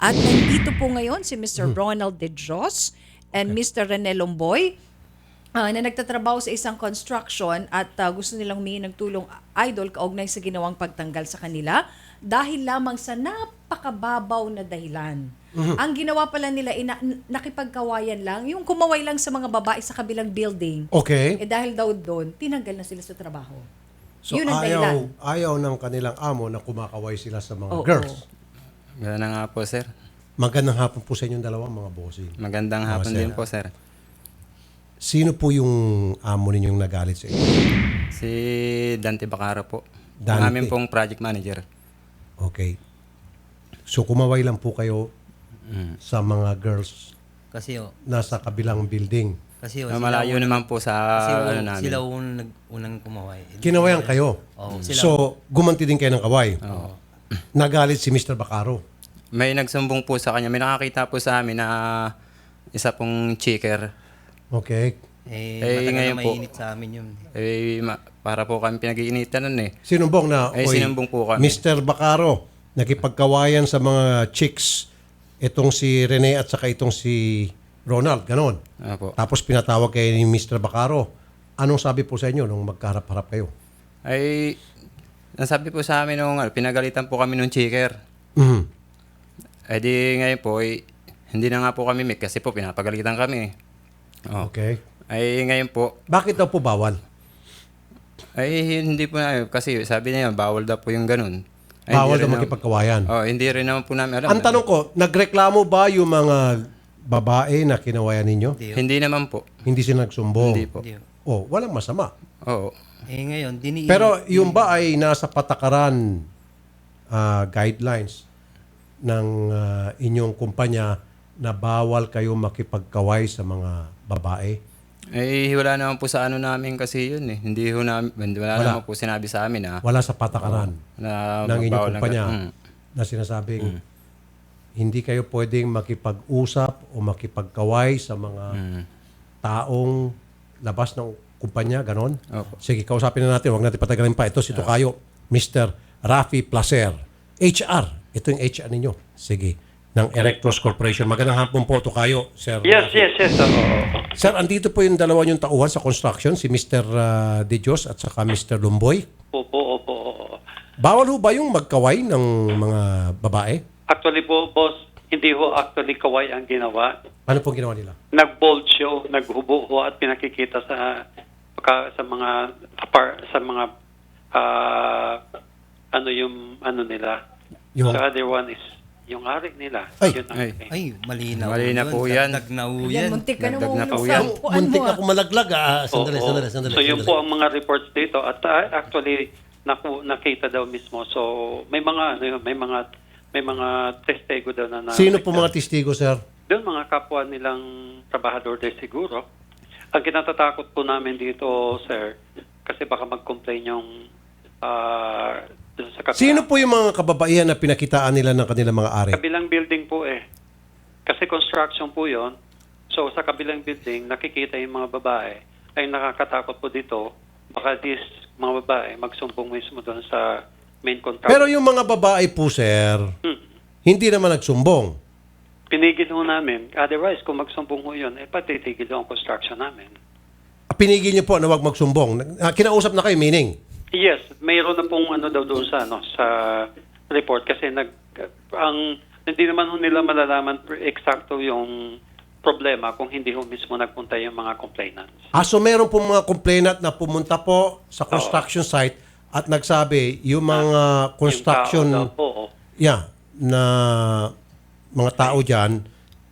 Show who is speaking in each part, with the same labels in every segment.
Speaker 1: At nandito po ngayon si Mr. Ronald De Dios and Mr. Rene Lomboy na nagtatrabaho sa isang construction at gusto nilang humingi ng tulong, idol, kaugnay sa ginawang pagtanggal sa kanila dahil lamang sa napakababaw na dahilan. Ang ginawa pala nila, nakipagkawayan lang, yung kumaway lang sa mga babae sa kabilang building.
Speaker 2: Okay.
Speaker 1: Dahil daw doon, tinanggal na sila sa trabaho.
Speaker 2: So
Speaker 1: Yun ang dahilan.
Speaker 2: ayaw ng kanilang amo na kumakaway sila sa mga
Speaker 1: Oo.
Speaker 2: girls.
Speaker 3: Gano'n na nga po, sir.
Speaker 2: Magandang hapon po sa inyong dalawang mga bossing.
Speaker 3: Magandang hapon
Speaker 2: sir.
Speaker 3: din po, sir.
Speaker 2: Sino po yung amo ninyong nagalit sa inyo?
Speaker 3: Si Dante Bacaro po.
Speaker 2: Dante.
Speaker 3: Ang aming pong project manager.
Speaker 2: Okay. So kumaway lang po kayo sa mga girls
Speaker 4: Kasi
Speaker 2: nasa kabilang building.
Speaker 3: Malayo naman po sa namin.
Speaker 4: sila unang kumaway.
Speaker 2: Kinawayan kayo.
Speaker 4: Oo,
Speaker 2: So gumanti din kayo ng kaway.
Speaker 3: Oo.
Speaker 2: Nagalit si Mr. Bacaro.
Speaker 3: May nagsumbong po sa kanya. May nakakita po sa amin na isa pong checker.
Speaker 2: Okay.
Speaker 4: Matagal
Speaker 3: ngayon
Speaker 4: na
Speaker 3: po.
Speaker 4: mainit sa amin yun.
Speaker 3: Para po kami pinag-iinitan nun eh.
Speaker 2: Sinumbong na,
Speaker 3: Sinumbong po kami.
Speaker 2: Mr. Bacaro, nakipagkawayan sa mga chicks itong si Rene at saka itong si Ronald, ganon.
Speaker 3: Opo.
Speaker 2: Tapos pinatawag kayo ni Mr. Bacaro. Anong sabi po sa inyo nung magkaharap-harap kayo?
Speaker 3: Nasabi po sa amin nung pinagalitan po kami nung checker.
Speaker 2: Mhm.
Speaker 3: Di ngayon po, hindi na nga po kami meet kasi po pinapagalitan kami. Oh.
Speaker 2: Okay.
Speaker 3: Ngayon po,
Speaker 2: Bakit daw po bawal?
Speaker 3: hindi po na, kasi sabi niya bawal daw po yung ganun.
Speaker 2: Bawal daw
Speaker 3: hindi rin
Speaker 2: makipagkawayan.
Speaker 3: hindi rin naman po namin alam.
Speaker 2: Ang tanong ko, nagreklamo ba yung mga babae na kinawayan ninyo?
Speaker 3: Hindi naman po.
Speaker 2: Hindi sila nagsumbong?
Speaker 3: Hindi po.
Speaker 4: Hindi.
Speaker 2: Oh, walang masama.
Speaker 3: Oo.
Speaker 4: Ngayon,
Speaker 2: Pero yung ba ay nasa patakaran guidelines ng inyong kumpanya na bawal kayo makipagkaway sa mga babae?
Speaker 3: Wala naman po sa ano namin kasi yun eh. Wala naman po sinabi sa amin
Speaker 2: Wala sa patakaran
Speaker 3: na
Speaker 2: ng inyong
Speaker 3: bawal
Speaker 2: kumpanya
Speaker 3: Mm.
Speaker 2: na sinasabing hindi kayo pwedeng makipag-usap o makipagkaway sa mga taong labas ng kumpanya, ganon?
Speaker 3: Opo.
Speaker 2: Sige, kausapin na natin. Huwag natin patagalin pa. Ito si Tokayo, Mr. Rafi Placer. HR. Ito yung HR ninyo. Sige. Ng Erectros Corporation. Magandang hapon po, Tokayo, Sir.
Speaker 5: Yes.
Speaker 2: Sir, andito po yung dalawa yung tauhan sa construction, si Mr. De Dios at saka Mr. Lumboy.
Speaker 5: Opo.
Speaker 2: Bawal ho ba yung magkaway ng mga babae?
Speaker 5: Actually po, boss, hindi ho actually kaway ang ginawa.
Speaker 2: Ano pong ginawa nila?
Speaker 5: Nag-bold show, naghubo ho at pinakikita sa mga ano nila.
Speaker 2: Yung-
Speaker 5: The other one is yung ari nila.
Speaker 2: Ay.
Speaker 5: Yun ang
Speaker 3: Ay.
Speaker 4: Ay, malinaw.
Speaker 3: Malinaw po yan.
Speaker 4: Dagdag na ho
Speaker 1: Yan,
Speaker 4: yan.
Speaker 1: muntik ka na
Speaker 3: Dagdag na po
Speaker 1: mo
Speaker 3: yan.
Speaker 2: Muntik ako malaglag. Sandali.
Speaker 5: Oo. So yun po ang mga reports dito at actually nakita daw mismo. So may mga testigo daw na
Speaker 2: Sino po mga testigo, sir?
Speaker 5: doon mga kapwa nilang trabahador din siguro. Ang kinatatakot po namin dito, sir, kasi baka mag-complain yung doon sa kapila.
Speaker 2: Sino po yung mga kababaihan na pinakitaan nila ng kanilang mga ari?
Speaker 5: Kabilang building po eh. Kasi construction po yon. So sa kabilang building, nakikita yung mga babae. Ay nakakatakot po dito. Baka mga babae magsumbong mismo doon sa main contractor.
Speaker 2: Pero yung mga babae po, sir, hindi naman nagsumbong.
Speaker 5: Pinigil ho namin. Otherwise, kung magsumbong ho yun, patitigil ho ang construction namin.
Speaker 2: Pinigil niyo po na wag magsumbong. Kinausap na kayo, meaning?
Speaker 5: Yes, mayroon na pong daw doon sa report kasi hindi naman ho nila malalaman eksakto yung problema kung hindi ho mismo nagpunta yung mga complainants.
Speaker 2: So meron po mga complainant na pumunta po sa construction site at nagsabi yung mga construction
Speaker 5: Yung tao daw po,
Speaker 2: na mga tao diyan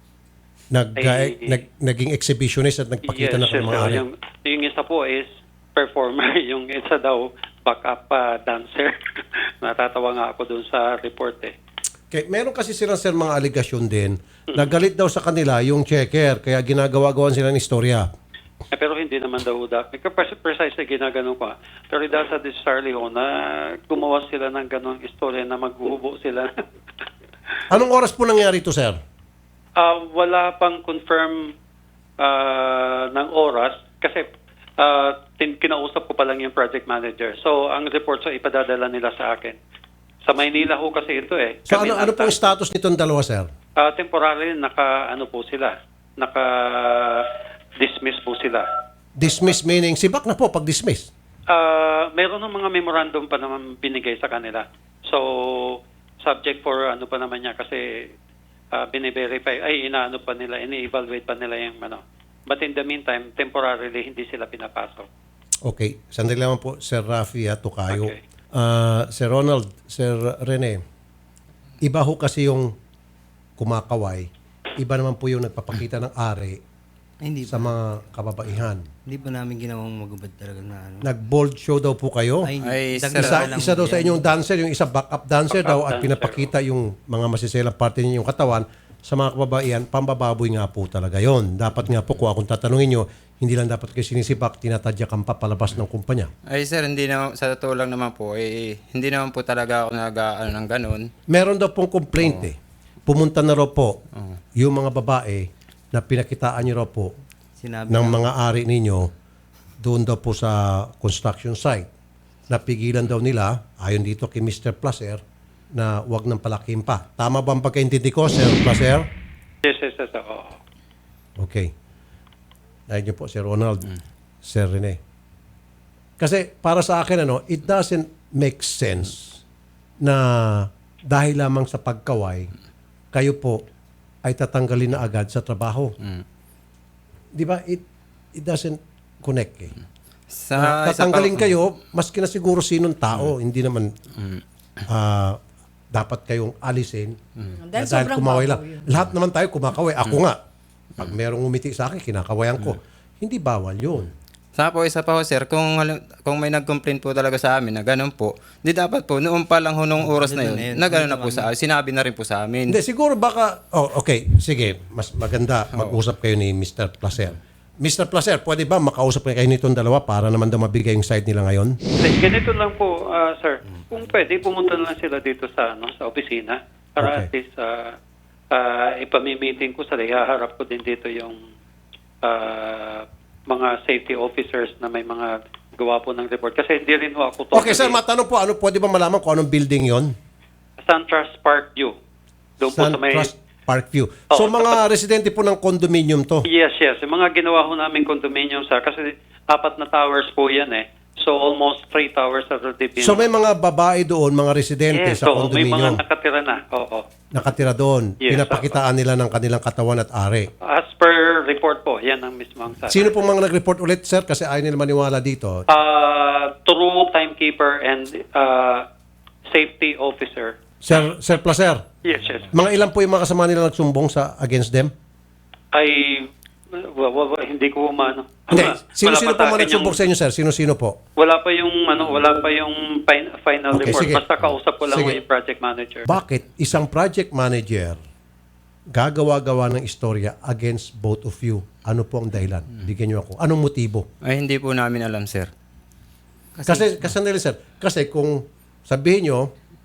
Speaker 2: naging exhibitionist at nagpakita na ng mga ari.
Speaker 5: Yung isa po is performer, yung isa daw backup dancer. Natatawa nga ako doon sa report eh.
Speaker 2: Okay, meron kasi silang sir mga aligasyon din. Nagalit daw sa kanila yung checker kaya ginagawa-gawan sila ng istorya.
Speaker 5: Pero hindi naman daw precisely ginaganon ko. Pero dahil sa Charlie ho na gumawa sila ng ganong istorya na maghuhubo sila.
Speaker 2: Anong oras po nangyari ito, sir?
Speaker 5: Wala pang confirm ng oras kasi kinausap ko pa lang yung project manager. So ang report ipadadala nila sa akin. Sa Maynila ho kasi ito eh.
Speaker 2: So ano pong status nitong dalawa, sir?
Speaker 5: Temporary, po sila. Naka-dismiss po sila.
Speaker 2: Dismiss meaning, sibak na po pag dismiss.
Speaker 5: Meron ng mga memorandum pa naman binigay sa kanila. So, subject for pa naman niya kasi bine-verify, inaano pa nila, ini-evaluate pa nila yung But in the meantime, temporarily, hindi sila pinapasok.
Speaker 2: Okay, sandali lang po, Sir Rafi Tokayo.
Speaker 5: Okay.
Speaker 2: Sir Ronald, Sir Rene, iba ho kasi yung kumakaway, iba naman po yung nagpapakita ng ari
Speaker 4: Hindi
Speaker 2: sa
Speaker 4: pa.
Speaker 2: mga kababaihan.
Speaker 4: Hindi pa namin ginawang magubad talaga na ano.
Speaker 2: Nag-bold show daw po kayo.
Speaker 3: Ay,
Speaker 4: dagdag
Speaker 3: sir,
Speaker 4: na lang
Speaker 2: Isa daw
Speaker 4: po
Speaker 2: sa
Speaker 4: yan.
Speaker 2: inyong dancer, yung isa backup dancer daw at
Speaker 5: dancer.
Speaker 2: pinapakita yung mga masiselang parte ninyong katawan sa mga kababaihan, pambababoy nga po talaga yon. Dapat nga po, kung akong tatanungin nyo, hindi lang dapat kayo sinisipak, tinatadyakan pa palabas ng kumpanya.
Speaker 3: Ay sir, hindi naman, sa totoo lang naman po, hindi naman po talaga ako nag-ano ng ganun.
Speaker 2: Meron daw pong complaint Pumunta na raw po yung mga babae na pinakitaan nyo raw po
Speaker 4: Sinabi
Speaker 2: ng
Speaker 4: na,
Speaker 2: mga ari ninyo doon daw po sa construction site. Napigilan daw nila, ayon dito kay Mr. Placer, na wag nang palakim pa. Tama ba ang pagkaintindi ko, Sir Placer?
Speaker 5: Yes. Oo.
Speaker 2: Okay. Dahil niyo po, Sir Ronald, Sir Rene. Kasi para sa akin, it doesn't make sense na dahil lamang sa pagkaway, kayo po ay tatanggalin na agad sa trabaho. Di ba? It doesn't connect
Speaker 3: Sa isa
Speaker 2: tatanggalin
Speaker 3: pa-
Speaker 2: kayo, maski na siguro sinong tao, hindi naman dapat kayong alisin
Speaker 1: Dahil
Speaker 2: na
Speaker 1: sobrang
Speaker 2: kumaway
Speaker 1: babaw
Speaker 2: lang.
Speaker 1: yun.
Speaker 2: Lahat naman tayo kumakaway. Ako nga, pag merong umiti sa akin, kinakawayan ko. Hindi bawal yun.
Speaker 3: Sa po, isa pa ho sir, kung may nag-complain po talaga sa amin na ganun po, di dapat po, noon pa lang ho nung oras na yun, na gano'n na po sa sinabi na rin po sa amin.
Speaker 2: Hindi, siguro baka, okay, sige, mas maganda mag-usap kayo ni Mr. Placer. Mr. Placer, pwede ba makausap kayo nitong dalawa para naman daw mabigay yung side nila ngayon?
Speaker 5: Ganito lang po, sir. Kung pwede, pumunta na lang sila dito sa opisina para at
Speaker 2: Okay.
Speaker 5: least ipamimiting ko sila. Ihaharap ko din dito yung mga safety officers na may mga gawa po ng report. Kasi hindi rin ho ako
Speaker 2: Okay, sir, matanong po, pwede ba malaman kung anong building yon?
Speaker 5: SunTrust Parkview. Doon po sa may...
Speaker 2: SunTrust Parkview. So,
Speaker 5: Oo,
Speaker 2: mga residente po ng condominium to?
Speaker 5: Yes. Yung mga ginawa ho namin condominium, sir. Kasi 4 na towers po yan So, almost 3 towers have already been...
Speaker 2: So, may mga babae doon, mga residente
Speaker 5: Yes,
Speaker 2: sa
Speaker 5: so may
Speaker 2: condominium
Speaker 5: mga nakatira na. Oo.
Speaker 2: nakatira doon.
Speaker 5: Yes,
Speaker 2: Pinapakitaan nila ng kanilang katawan at ari.
Speaker 5: As per report po, yan ang mismo ang sabi.
Speaker 2: Sino pong mga nag-report ulit, sir? Kasi ayaw nila maniwala dito.
Speaker 5: True timekeeper and safety officer.
Speaker 2: Sir Placer,
Speaker 5: Yes.
Speaker 2: mga ilan po yung mga kasama nila nagsumbong against them?
Speaker 5: Ay, hindi ko umano.
Speaker 2: Hindi.
Speaker 5: Wala
Speaker 2: Sino-sino
Speaker 5: pa
Speaker 2: po mga
Speaker 5: sa akin
Speaker 2: nagsumbong sa inyo, sir? Sino-sino po?
Speaker 5: Wala pa yung final
Speaker 2: Okay,
Speaker 5: report.
Speaker 2: sige.
Speaker 5: Basta kausap ko lang
Speaker 2: Sige.
Speaker 5: yung project manager.
Speaker 2: Bakit isang project manager gagawa-gawa ng istorya against both of you? Ano po ang dahilan? Bigyan niyo ako. Anong motibo?
Speaker 3: Ay, hindi po namin alam sir.
Speaker 2: Kasi sandali, sir. Kasi kung sabihin nyo,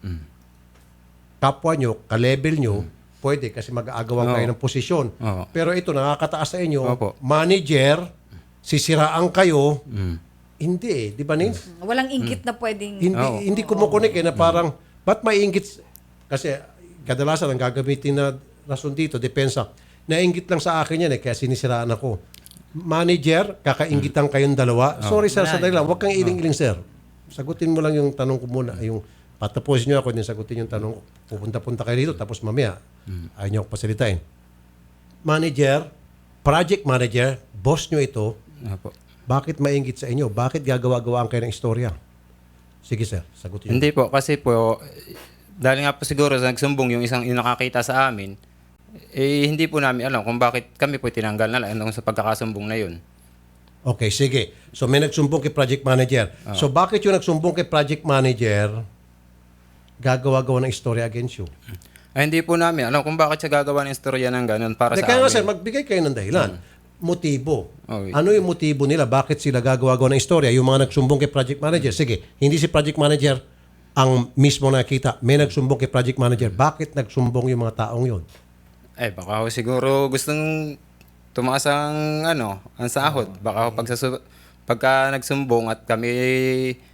Speaker 2: kapwa nyo, ka-level nyo, pwede kasi mag-aagawan
Speaker 3: Oo.
Speaker 2: kayo ng posisyon.
Speaker 3: Oo.
Speaker 2: Pero ito, nakakataas sa inyo,
Speaker 3: Opo.
Speaker 2: manager, sisiraan kayo, hindi Di ba, Nins?
Speaker 1: Walang inggit na pwedeng...
Speaker 2: Hindi kumukunik na parang, ba't may inggit? Kasi kadalasan ang gagamitin na rason dito, depensa. Nainggit lang sa akin yan kaya sinisiraan ako. Manager, kakainggitan kayong dalawa. Sorry sir, sandali lang. Huwag kang iling-iling sir. Sagutin mo lang yung tanong ko muna. Yung patapusin nyo ako, din sagutin yung tanong ko. Pupunta-punta kayo dito, tapos mamaya, ayaw nyo ako pasalitain. Manager, project manager, boss nyo ito,
Speaker 3: Opo.
Speaker 2: bakit mainggit sa inyo? Bakit gagawa-gawaan kayo ng istorya? Sige sir, sagutin nyo.
Speaker 3: Hindi po, kasi po, dahil nga po siguro sa nagsumbong yung isang yung nakakita sa amin, hindi po namin alam kung bakit kami po tinanggal na lang sa pagkakasumbong na yun.
Speaker 2: Okay, sige. So may nagsumbong kay project manager. So bakit yung nagsumbong kay project manager gagawa-gawa ng istorya against you?
Speaker 3: Ay, hindi po namin alam kung bakit siya gagawa ng istorya ng ganun para sa
Speaker 2: Kaya nga
Speaker 3: amin.
Speaker 2: sir, magbigay kayo ng dahilan. Motibo.
Speaker 3: Okay.
Speaker 2: Ano yung motibo nila? Bakit sila gagawa-gawa ng istorya? Yung mga nagsumbong kay project manager. Sige, hindi si project manager ang mismo nakita. May nagsumbong kay project manager. Bakit nagsumbong yung mga taong yun?
Speaker 3: Eh, baka ho siguro gustong tumaas ang sahod. Baka ho pagka nagsumbong at kami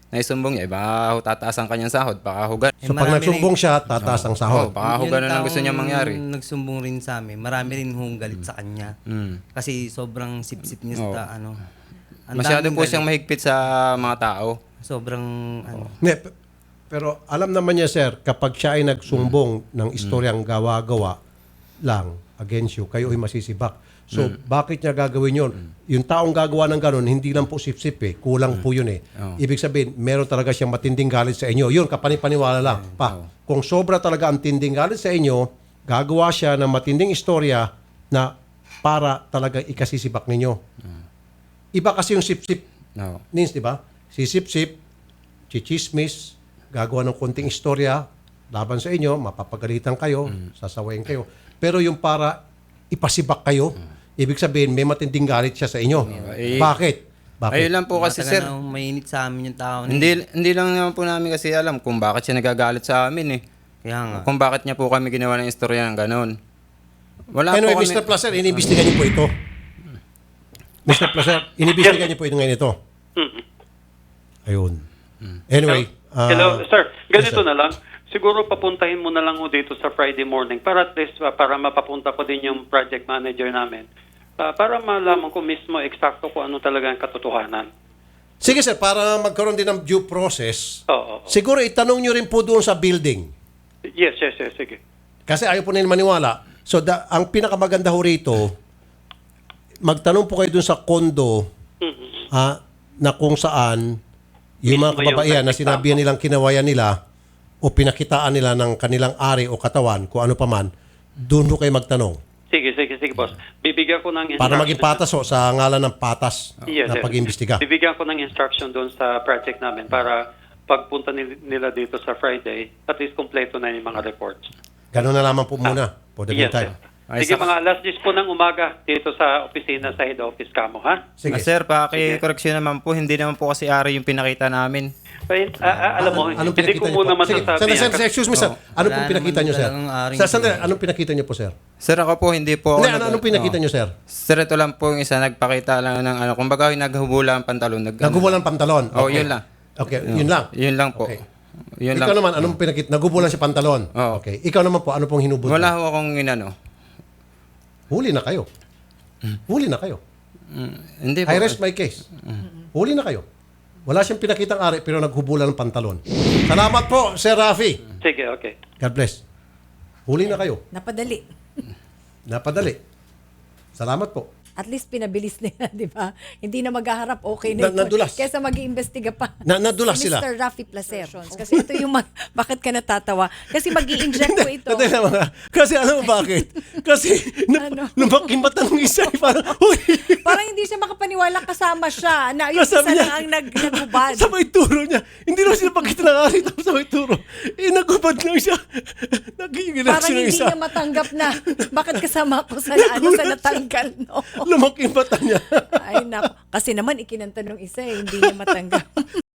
Speaker 3: naisumbong niya, baka ho tataas ang kanyang sahod, baka ho gan-
Speaker 2: So pag
Speaker 4: marami
Speaker 2: nagsumbong siya, tataas ang sahod.
Speaker 3: baka ho
Speaker 4: Yung
Speaker 3: ganun ang gusto niya
Speaker 4: taong
Speaker 3: mangyari.
Speaker 4: Nagsumbong rin sa amin. Marami rin hong galit sa kanya. Kasi sobrang sip-sip niya sa ano. Ang
Speaker 3: Masyado
Speaker 4: daming
Speaker 3: po
Speaker 4: galit.
Speaker 3: siyang mahigpit sa mga tao.
Speaker 4: Sobrang ano.
Speaker 2: Pero alam naman niya, sir, kapag siya ay nagsumbong ng istoryang gawa-gawa lang against you, kayo ay masisibak. So, bakit niya gagawin yun? Yung taong gagawa ng ganun, hindi lang po sip-sip eh. Kulang po yun eh. Ibig sabihin, meron talaga siyang matinding galit sa inyo. Yun, kapanipaniwala lang. Kung sobra talaga ang tinding galit sa inyo, gagawa siya ng matinding istorya na para talaga ikasisibak ninyo. Iba kasi yung sip-sip,
Speaker 3: No.
Speaker 2: Nins, di ba? Si sip-sip, chichismis, gagawa ng konting istorya laban sa inyo, mapapagalitan kayo, sasawayin kayo. Pero yung para ipasibak kayo, ibig sabihin may matinding galit siya sa inyo. Bakit?
Speaker 3: Ayun lang po kasi, sir.
Speaker 4: Matagal na mainit sa amin yung tao.
Speaker 3: Hindi lang naman po namin kasi alam kung bakit siya nagagalit sa amin eh.
Speaker 4: Kaya nga.
Speaker 3: Kung bakit niya po kami ginawa ng istorya ng ganon. Wala
Speaker 2: Anyway,
Speaker 3: po kami...
Speaker 2: Mr. Placer, iniimbestigan niyo po ito. Mr. Placer, iniimbestigan niyo po ito ngayon ito. Ayun. Anyway.
Speaker 5: Hello, sir.
Speaker 2: yes,
Speaker 5: Ganito
Speaker 2: sir.
Speaker 5: na lang. Siguro papuntahin mo na lang ho dito sa Friday morning para at least para mapapunta ko din yung project manager namin. Para malaman ko mismo eksakto kung ano talaga ang katotohanan.
Speaker 2: Sige sir, para magkaroon din ng due process,
Speaker 5: Oo.
Speaker 2: siguro itanong niyo rin po doon sa building.
Speaker 5: Yes, sige.
Speaker 2: Kasi ayaw po nila maniwala. So, ang pinakamaganda ho rito, magtanong po kayo dun sa kondo na kung saan yung mga
Speaker 5: Mismo yung
Speaker 2: kababaihan na
Speaker 5: nagreklamo.
Speaker 2: sinabihan nilang kinawayan nila o pinakitaan nila ng kanilang ari o katawan, kung ano pa man, doon ho kayo magtanong.
Speaker 5: Sige, boss. Bibigyan ko ng instruction.
Speaker 2: Para maging patas ho, sa ngalan ng patas
Speaker 5: Yes,
Speaker 2: na
Speaker 5: yes.
Speaker 2: pag-imbestiga.
Speaker 5: Bibigyan ko ng instruction doon sa project namin para pagpunta nila dito sa Friday, at least kompleto na yung mga reports.
Speaker 2: Ganun na lamang po muna for the
Speaker 5: Yes,
Speaker 2: meantime.
Speaker 3: Ay,
Speaker 5: Sige,
Speaker 3: sa-
Speaker 5: mga alas 10 po ng umaga dito sa opisina sa head office kamo, ha?
Speaker 2: Sige.
Speaker 3: Sir, paki-correction naman po, hindi naman po kasi ari yung pinakita namin.
Speaker 5: Alam mo,
Speaker 2: Anong
Speaker 5: hindi
Speaker 2: pinakita
Speaker 5: ko
Speaker 2: niyo
Speaker 5: muna
Speaker 2: po? Sige,
Speaker 5: masasabi.
Speaker 2: sir, excuse me, sir. Ano
Speaker 4: Wala
Speaker 2: pong pinakita
Speaker 4: naman
Speaker 2: niyo, sir?
Speaker 4: talagang aring
Speaker 2: Sir, sandali, anong pinakita niyo po, sir?
Speaker 3: Sir, ako po hindi po
Speaker 2: Hindi,
Speaker 3: ako
Speaker 2: anong pinakita niyo, sir?
Speaker 3: Sir, ito lang po yung isa, nagpakita lang ng ano, kumbaga yung naghubula ang pantalon.
Speaker 2: Nagubulan pantalon.
Speaker 3: Oh, yun lang.
Speaker 2: Okay, yun lang.
Speaker 3: Yun lang po.
Speaker 2: Okay.
Speaker 3: Yun
Speaker 2: Ikaw
Speaker 3: lang.
Speaker 2: naman, anong pinakita? Nagubulan si pantalon.
Speaker 3: Oo.
Speaker 2: Okay. Ikaw naman po, ano pong hinubod?
Speaker 3: Wala ho akong inano.
Speaker 2: Huli na kayo. Huli na kayo.
Speaker 3: Hindi po.
Speaker 2: I rest my case. Huli na kayo. Wala siyang pinakitang ari pero naghubulan ng pantalon. Salamat po, Sir Rafi.
Speaker 5: Sige, okay.
Speaker 2: God bless. Huli na kayo.
Speaker 1: Napadali.
Speaker 2: Napadali. Salamat po.
Speaker 1: At least pinabilis nila, di ba? Hindi na maghaharap, okay na ito.
Speaker 2: Nadulas.
Speaker 1: Kesa mag-iimbestiga pa.
Speaker 2: Nadulas
Speaker 1: Si
Speaker 2: sila.
Speaker 1: Mr. Rafi Placer. Kasi ito yung, bakit ka natatawa? Kasi mag-i-inject ko ito.
Speaker 2: Tandaan naman nga. Kasi alam mo bakit? Kasi
Speaker 1: Ano?
Speaker 2: lumaki mata ng isa. Parang, uy,
Speaker 1: Parang hindi siya makapaniwala kasama siya. Na yung isa
Speaker 2: Kasama niya.
Speaker 1: lang ang naghubad.
Speaker 2: sa may turo niya. Hindi naman sila pakita ng ari tapos sa may turo. Nagubad lang siya. Nagiging
Speaker 1: Parang
Speaker 2: reaction ng
Speaker 1: hindi
Speaker 2: isa.
Speaker 1: niya matanggap na bakit kasama ko sa sa natanggal, no?
Speaker 2: Lumaki yung mata niya.
Speaker 1: Ay, nako. Kasi naman ikinanta nung isa, hindi niya matanggap.